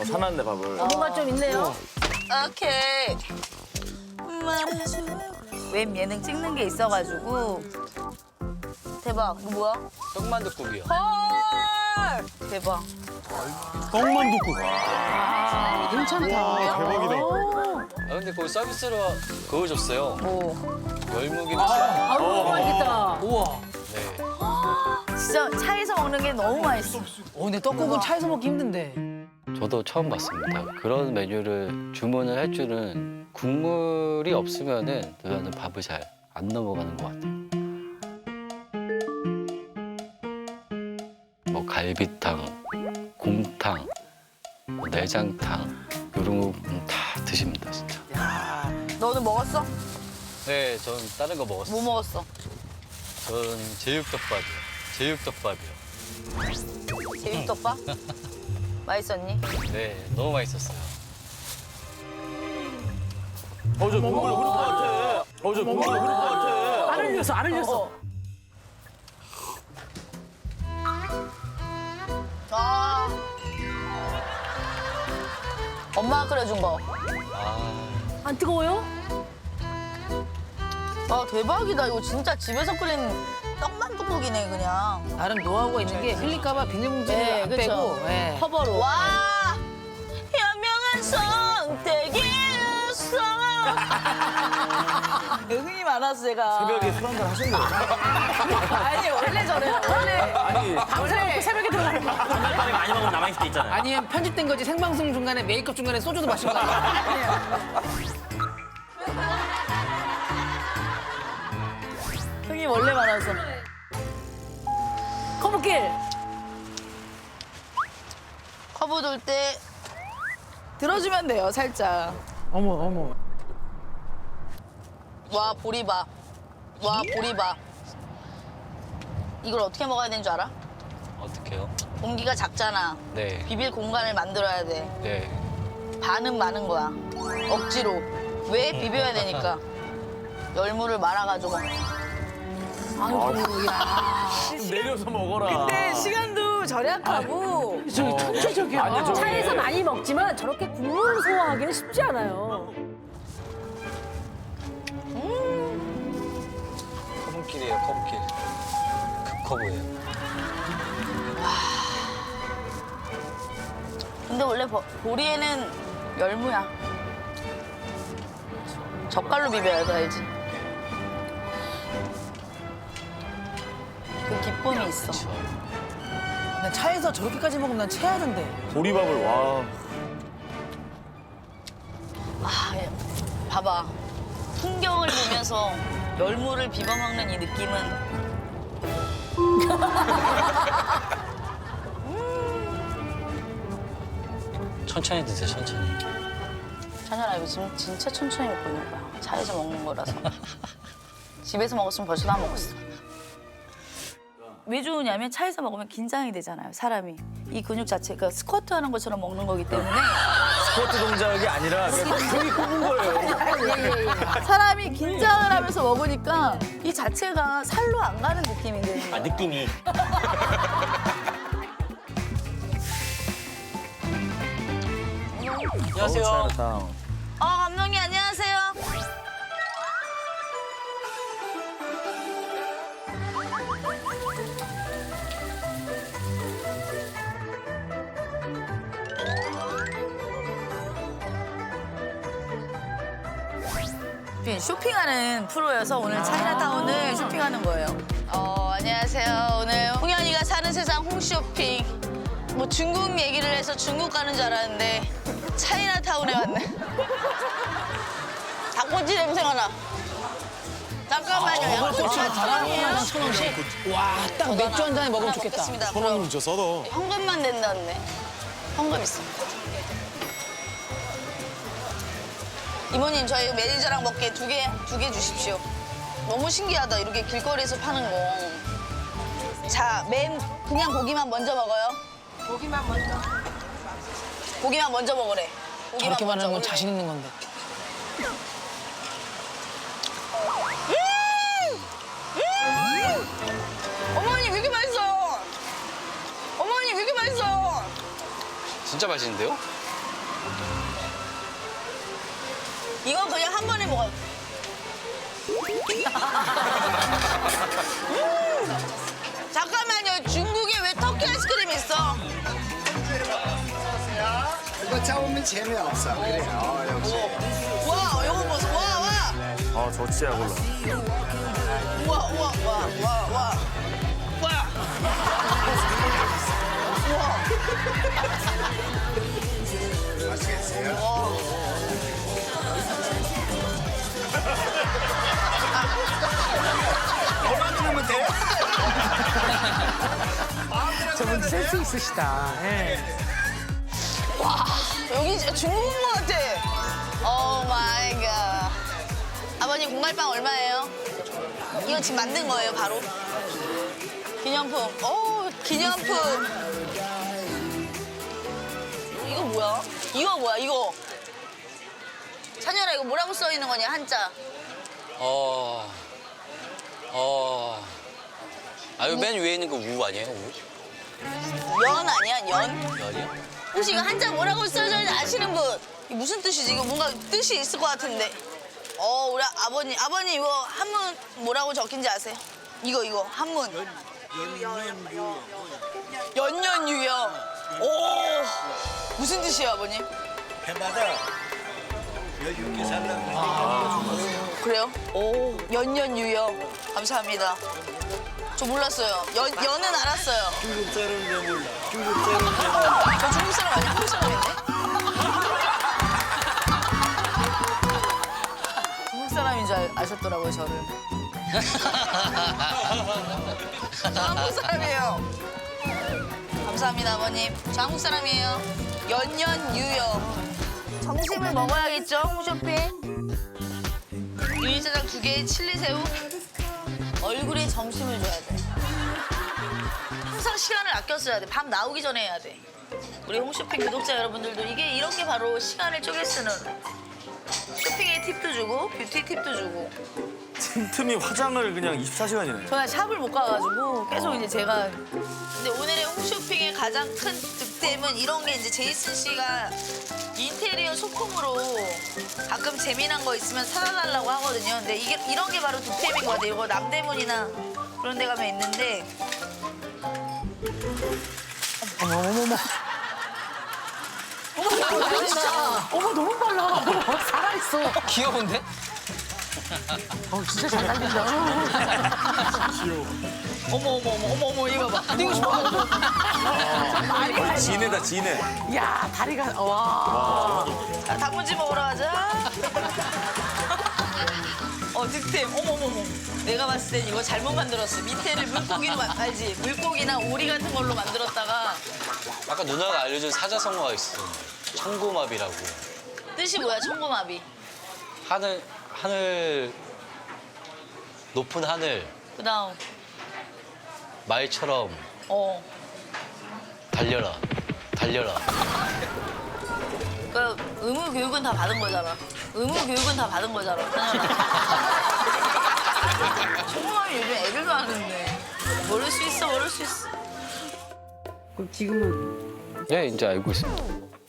사놨네 밥을. 뭔가 좀 있네요. 오케이. 웹 예능 찍는 게 있어가지고 대박. 이거 뭐야? 떡만둣국이요. 헐! 대박. 떡만둣국. 괜찮다. 대박이다. 아 근데 거기 서비스로 그거 줬어요. 뭐 열무김치. 아우 맛있겠다. 우와. 네. 진짜 차에서 먹는 게 너무 맛있어. 근데 떡국은 차에서 먹기 힘든데. 저도 처음 봤습니다. 그런 메뉴를 주문을 할 줄은 국물이 없으면은 누나는 밥을 잘 안 넘어가는 것 같아요. 뭐 갈비탕, 곰탕, 뭐 내장탕 이런 거 다 드십니다 진짜. 너는 먹었어? 네, 전 다른 거 먹었어요. 뭐 먹었어? 전 제육덮밥이요. 제육덮밥? 맛있었니? 네, 너무 맛있었어요. 저 국물 흐를 것 같아. 저 국물 흐를 것 같아. 안 흘렸어, 안 흘렸어. 아. 엄마가 끓여준 거. 아, 안 뜨거워요? 아 대박이다. 이거 진짜 집에서 끓인 떡만둣국이네 그냥. 나름 노하우가 있는 게 흘릴까봐 비닐봉지를 네, 안 그쵸. 빼고. 예. 커버로. 와 현명한 선택이었어. 흥이 많아서 제가. 새벽에 술 한잔 하셨네. 아니 원래 저래요. 원래. 아니, 밤새 새벽에 들어가는 거. 빨리 많이 먹으면 남아있을 때 있잖아요. 아니면 편집된 거지 생방송 중간에 메이크업 중간에 소주도 마시고 가요. 흥이 원래 많아서. 커브길. 커브 돌 때 들어주면 돼요 살짝. 어머 어머. 와 보리밥. 와 보리밥. 이걸 어떻게 먹어야 되는 줄 알아? 어떡해요? 공기가 작잖아. 네, 비빌 공간을 만들어야 돼. 네. 반은 많은 거야. 억지로. 왜 비벼야 되니까. 열무를 말아가지고. 아이고, 야. 좀 내려서 먹어라. 근데 시간도 절약하고. 저기 천재적이야. 아니, 저기- 차에서 많이 먹지만 저렇게 국물을 소화하기는 쉽지 않아요. 커브길이에요, 커브길. 급커브예요. 근데 원래 보리에는 열무야. 젓갈로 비벼야 돼, 알지? 그 기쁨이 있어. 난 차에서 저렇게까지 먹으면 난 체하던데. 보리밥을 와. 아, 예. 봐봐. 풍경을 보면서 열무를 비벼 먹는 이 느낌은 천천히 드세요, 천천히. 찬열아 이거 지금 진짜 천천히 먹고 있는 거야. 차에서 먹는 거라서. 집에서 먹었으면 벌써 다 먹었어. 왜 좋으냐면 차에서 먹으면 긴장이 되잖아요, 사람이. 이 근육 자체가 스쿼트 하는 것처럼 먹는 거기 때문에 스쿼트 동작이 아니라 그냥 힘이 뽑은 거예요. 사람이 긴장을 하면서 먹으니까 이 자체가 살로 안 가는 느낌이 드는 거야. 느낌이. 안녕하세요. 감독님 안녕하세요. 쇼핑하는 프로여서 오늘 차이나타운을 쇼핑하는 거예요. 안녕하세요. 오늘 홍현이가 사는 세상 홈쇼핑. 뭐 중국 얘기를 해서 중국 가는 줄 알았는데 차이나타운에 왔네. 닭꼬치 냄새가 나. 잠깐만요. 양꼬치 바람이에요. 1,000원씩? 와, 딱 맥주 한 잔에 먹으면 좋겠다. 먹겠습니다. 천원이면 진짜 싸다. 현금만 낸다는데. 현금 있어. 이모님 저희 매니저랑 먹게 두 개 주십시오. 너무 신기하다 이렇게 길거리에서 파는 거. 자, 그냥 고기만 먼저 먹어요. 고기만 먼저 먹으래. 고기만 저렇게 말하는 건 먹으래. 자신 있는 건데. 어머니 왜 이렇게 맛있어? 어머니 왜 이렇게 맛있어? 진짜 맛있는데요? 이건 그냥 한 번에 먹어요. 잠깐만요. 중국에 왜 터키 아이스크림이 있어? 이거 잡으면 재미없어. 그래요, 역시. 와, 이거 보세요. 와, 와. 아, 저 진짜 몰라. 와, 와, 와, 와, 와. 와. 맛있겠어요? 뭐만 들으면 돼? 저분 센스 있으시다. 예. 와, 여기 진짜 중국 온 것 같아. 오 마이 갓. 아버님 공갈빵 얼마예요? 이거 지금 만든 거예요, 바로? 기념품. 오, 기념품. 이거 뭐야? 이거 뭐야, 이거? 찬열아, 이거 뭐라고 써 있는 거냐, 한자? 이거 맨 위에 있는 거 우 아니에요? 우? 연 아니야, 연? 연이요? 혹시 이거 한자 뭐라고 써져 있는지 아시는 분? 이게 무슨 뜻이지? 이거 뭔가 뜻이 있을 것 같은데. 우리 아버님 이거 한문 뭐라고 적힌지 아세요? 이거 한문. 연년유여. 오, 무슨 뜻이에요, 아버님? 해마다 여유 있게 살라고. 그래요? 오, 연년유여. 감사합니다. 저 몰랐어요. 연은 알았어요. 중국 사람은 왜 몰라? 중국 사람은 왜 몰라? 저 중국 사람 아니야? 한국 사람인데? 중국 사람인 줄 아셨더라고요, 저를. 저 한국 사람이에요. 감사합니다, 아버님. 저 한국 사람이에요. 연년유여. 점심을 먹어야겠죠, 홈쇼핑? 유리짜장 2개에 칠리새우. 얼굴에 점심을 줘야 돼. 항상 시간을 아껴 써야 돼. 밤 나오기 전에 해야 돼. 우리 홈쇼핑 구독자 여러분들도 이런 게 바로 시간을 쪼개 쓰는 쇼핑에 팁도 주고 뷰티 팁도 주고. 틈틈이 화장을 그냥 24시간이네. 저는 샵을 못 가가지고 계속 이제 제가. 근데 오늘의 홈쇼핑의 가장 큰 득템은 이런 게 이제 제이슨 씨가 인테리어 소품으로 가끔 재미난 거 있으면 사다 달라고 하거든요. 근데 이런 게 바로 득템인 것 같아요. 이거 남대문이나 그런 데 가면 있는데. 어머, 너무 빨라. 어머, 살아있어. 귀여운데? 진짜 잘 달린다. 어머 이거 봐. 뛰고 싶어가지고. 진해다, 진해. 야, 다리가, 와. 단무지 먹으러 가자. 득템. 어머머머. 내가 봤을 땐 이거 잘못 만들었어. 밑에를 물고기로 알지? 물고기나 오리 같은 걸로 만들었다가. 아까 누나가 알려준 사자성어가 있어. 청고마비라고. 뜻이 뭐야, 청고마비? 하늘, 높은 하늘, 그다음. 말처럼 달려라. 그 의무 교육은 다 받은 거잖아. 당연하. 청고마비 요즘 애들도 하는데. 모를 수 있어. 그럼 지금은 네, 이제 알고 있습니다.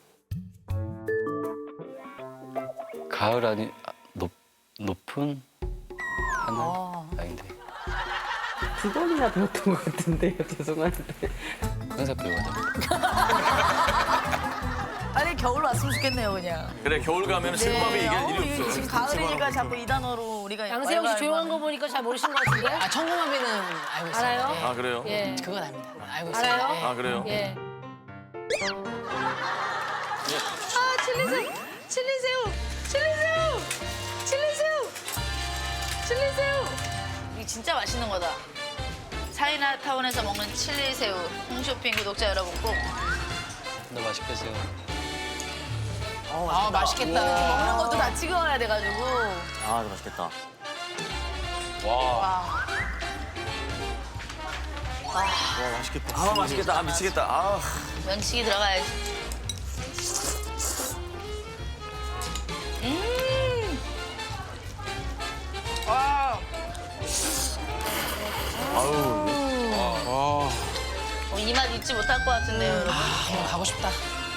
가을 아니 높은 하늘 아닌데 두 번이나 배웠던 것 같은데요. 죄송한데. 항상 배워야 됩니다. 빨리 겨울 왔으면 좋겠네요, 그냥. 그래, 겨울 가면 실밥이 이길 일이 이게 없어. 지금 가을이니까 자꾸 이 단어로 우리가 양세형 씨 조용한 거 보니까 잘 모르신 것 같은데? 아, 청고마비는 알고 있어요. 알아요? 아, 그래요? 예. 그건 압니다. 알고 있어요. 알아요? 아, 그래요? 예. 칠리새우. 이게 진짜 맛있는 거다. 차이나타운에서 먹는 칠리새우. 홈쇼핑 구독자 여러분 꼭 근데 맛있겠어요. 아, 맛있겠다. 먹는 것도 다 찍어야 돼가지고. 아, 맛있겠다. 와. 와, 맛있겠다. 아, 맛있겠다. 아, 미치겠다. 아. 면치기 들어가야지. 와. 아우. 이 맛 잊지 못할 것 같은데요, 여러분. 가고 싶다.